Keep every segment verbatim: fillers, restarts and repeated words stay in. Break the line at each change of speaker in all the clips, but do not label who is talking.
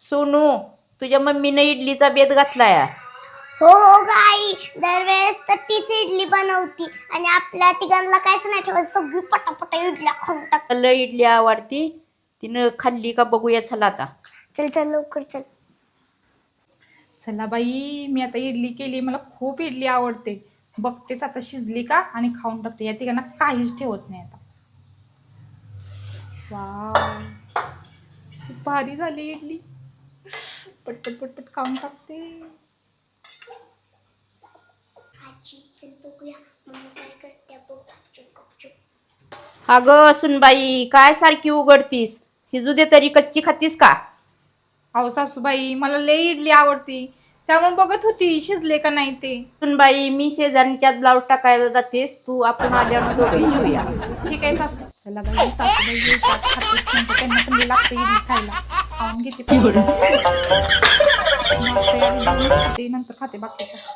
सोनू, तुझ्या मम्मीने इडलीचा बेत घातलाय.
हो हो गाई, दरवेळेस तर तीच इडली बनवती आणि आपल्या तिघांना काहीच नाही ठेवत, सगळी पटापटा इडल्या खाऊन टाक.
लय इडली आवडती, तिनं खाल्ली का बघूया. चला आता.
चल चल लवकर चल.
चला बाई, मी आता इडली केली. मला खूप इडली आवडते. बघतेच आता शिजली का आणि खाऊन टाकते. या तिघांना काहीच ठेवत नाही आता. वाव, खूप भारी झाली इडली. पटपट पटपट खाऊन टाकते.
आजी चल बघूया मम्मी काय करते. गपचूप गपचूप.
अगं सुनबाई, काय सारखी उघडतीस? शिजू दे तरी, कच्ची खातीस का?
अहो सासूबाई, मला लय इडली आवडती, त्यामुळे बघत होती शिजले का नाही ते.
सुनबाई, मी शेजारच्यात ब्लाऊज टाकायला जातेस, तू आपण आल्यानं दोघे जेऊया.
ठीक आहे सासू. चला बाई, सासूबाई येतात, खाते, त्यांना पण लागतं इडली खायला. खाऊन घेते खाते नंतर खाते बाकीचं.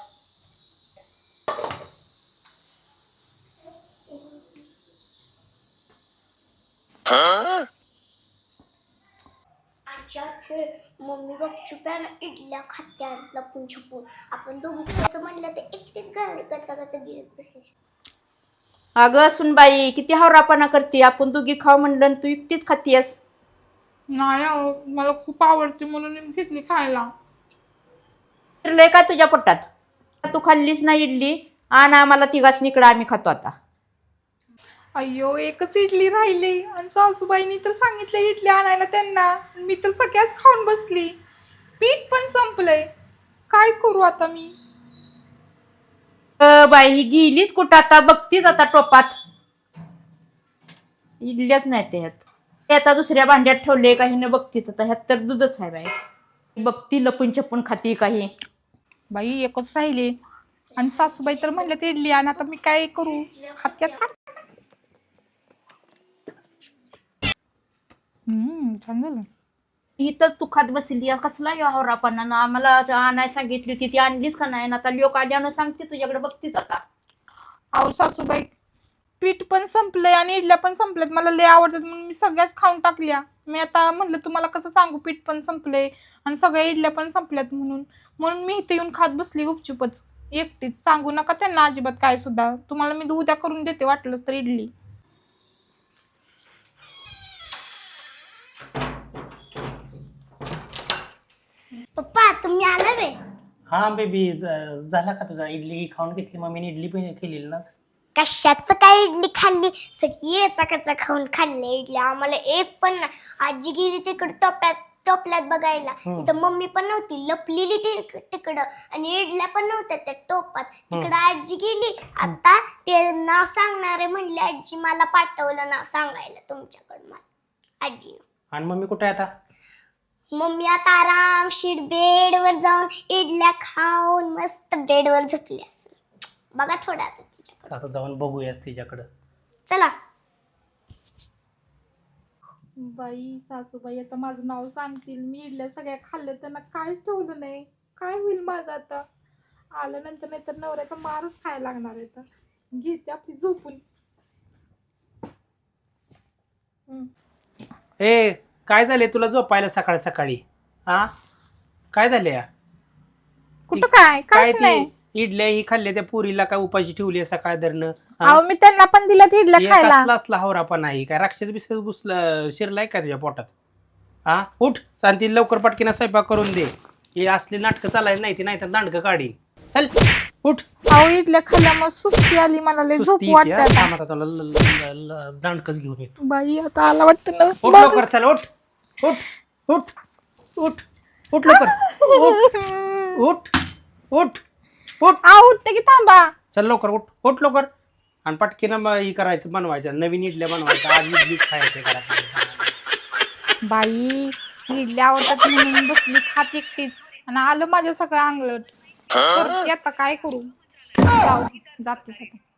आजी मम्मी गपचूप आहे ना इडल्या खात्या लपून छपून. आपण दोघी खायचं म्हणलं तर एकटीच गचा गचा गिरत बसे.
अगं सुनबाई, किती हावरापणा करते. आपण दोघी खाऊ म्हणलं आणि तू एकटीच खातीयस.
नाही अहो, मला खूप आवडते म्हणून मी घेतली खायला.
फिरलंय का तुझ्या पोटात? तू खाल्लीस ना इडली, आणि आम्हाला तिघाच निकडं, आम्ही खातो आता.
अय्यो, एकच इडली राहिली आणि सासूबाईंनी तर सांगितलं इडली आणायला त्यांना. मी तर सगळ्याच खाऊन बसली. पीठ पण संपलंय. काय करू आता मी?
अ बाई, ही गेलीच कुठं आता? बघतीच आता टोपात इडल्याच नाही ते ह्यात. ते आता दुसऱ्या भांड्यात ठेवले काही न बघतीच आता. ह्यात तर दूधच आहे बाई. बघती लपून छपून खाती काही.
बाई एकच राहिले आणि सासूबाई तर म्हणलं ते इडली आण. आता मी काय करू? खात्यात. हम्म छान झालं.
इथं तू खात बसली. कसला या हवरापणा ना? आम्हाला आणाय सांगितली होती, ती आणलीच का नाही? आता लोक आल्यानं सांगते तुझ्याकडे, बघतीच आता.
अहो सासूबाई, पीठ पण संपलंय आणि इडल्या पण संपल्यात. मला लय आवडतात म्हणून मी सगळ्याच खाऊन टाकल्या. मी आता म्हणलं तुम्हाला कसं सांगू, पीठ पण संपलंय आणि सगळ्या इडल्या पण संपल्यात म्हणून. म्हणून मी इथे येऊन खात बसली गुपचुपच एकटीच. सांगू नका त्यांना अजिबात काय सुद्धा. तुम्हाला मी उद्या करून देते वाटलंच तर इडली.
पप्पा तुम्ही आला वे?
हा बेबी, झाला का तुझा? इडली खाऊन घेतली मम्मीने, इडली पण केलेली ना.
कशाच काय इडली खाल्ली? सगळी चकाचा खाऊन खाल्ले इडली. आम्हाला एक पण नाही. आजी गेली तिकडे टोप्यात टोपल्यात बघायला. तिथं मम्मी पण नव्हती, लपलेली तिकडं. आणि इडल्या पण नव्हत्या त्या टोपात. तिकडं आजी गेली. आता ते नाव सांगणारे म्हणले आजी मला पाठवलं नाव सांगायला तुमच्याकडं मला आजी.
आणि मम्मी कुठे आहे आता?
मम्मी आता आरामशीर बेडवर जाऊन इडल्या खाऊन मस्त बेडवर झोपली असेल. बघा थोडा आता तिच्याकडे.
आता जाऊन बघूयास तिच्याकडं.
चला.
बाई सासूबाई आता माझं नाव सांगतील. मी इडल्या सगळ्या खाल्ल्या, त्यांना काहीच ठेवलं नाही. काय होईल माझं आता? आलं नंतर नाही तर नवऱ्याचा मारच खायला लागणार आहे. तर घेते आपली झोपून.
ए, काय झाले तुला झोपायला सकाळी सकाळी? हा, काय झाले?
कुठं काय?
काय
काहीच नाही.
ती इडल्या ही खाल्ल्या त्या पुरीला काय उपाशी ठेवली सकाळ धरणं?
अहो मी त्यांना पण दिल्या इडल्या खायला.
कसला असला हवरापा नाही काय? राक्षस बिक्षस घुसलं शिरलाय का तुझ्या पोटात? हा, उठ शांती, लवकर पटकीना स्वयंपाक करून दे. हे असली नाटकं चालायचं नाही ती, नाही तर दांडकं काढीन. चल उठ.
अहो इडल्या खाल्ल्यामुळे सुस्ती आली मला, लय झोप वाटत.
दांडकच घेऊन येतो.
बाई आता आला वाटतं ना.
उठ लवकर, चल उठ उठ उठ उठ उठ लवकर उठ उठ उठ उठ.
आ उठते की थांबा.
चल लवकर उठ उठ लवकर. आणि पटकीनं ही करायचं, बनवायचं नवीन इडल्या बनवायच्या. आज इडलीच खायचं घरात.
बाई इडल्या आवडतात म्हणून बसली खात एकटीच आणि आलं माझ्या सगळं अंगलट. आता काय करू? जाऊ जातेच आता.